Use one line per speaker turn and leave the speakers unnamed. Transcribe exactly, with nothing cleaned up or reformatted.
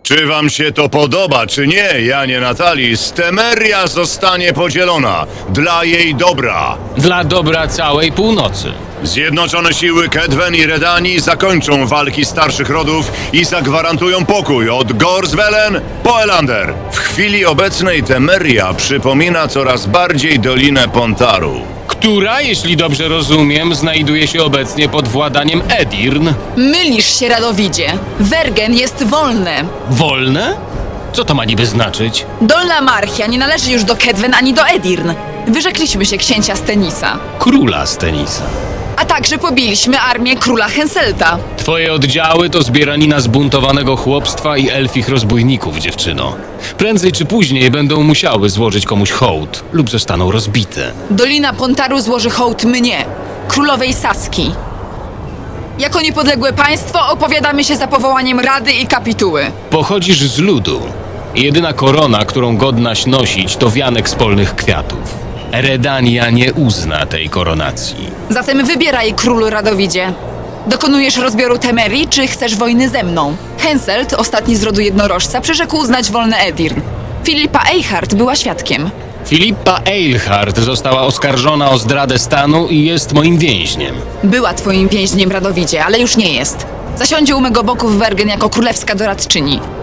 Czy wam się to podoba, czy nie, Janie Natalis, Temeria zostanie podzielona dla jej dobra.
Dla dobra całej północy.
Zjednoczone siły Kedwen i Redanii zakończą walki starszych rodów i zagwarantują pokój od Gorswellen po Elander. W chwili obecnej Temeria przypomina coraz bardziej Dolinę Pontaru.
Która, jeśli dobrze rozumiem, znajduje się obecnie pod władaniem Edirn.
Mylisz się, Radowidzie. Wergen jest wolne.
Wolne? Co to ma niby znaczyć?
Dolna Marchia nie należy już do Kedwen ani do Edirn. Wyrzekliśmy się księcia Stenisa.
Króla Stenisa.
A także pobiliśmy armię króla Henselta.
Twoje oddziały to zbieranina zbuntowanego chłopstwa i elfich rozbójników, dziewczyno. Prędzej czy później będą musiały złożyć komuś hołd lub zostaną rozbite.
Dolina Pontaru złoży hołd mnie, królowej Saski. Jako niepodległe państwo opowiadamy się za powołaniem rady i kapituły.
Pochodzisz z ludu. Jedyna korona, którą godnaś nosić, to wianek z polnych kwiatów. Redania nie uzna tej koronacji.
Zatem wybieraj, królu Radowidzie. Dokonujesz rozbioru Temerii, czy chcesz wojny ze mną? Henselt, ostatni z rodu jednorożca, przyrzekł uznać wolne Edirn. Filipa Eichhardt była świadkiem.
Filipa Eilhart została oskarżona o zdradę stanu i jest moim więźniem.
Była twoim więźniem, Radowidzie, ale już nie jest. Zasiądzie u mego boku w Wergen jako królewska doradczyni.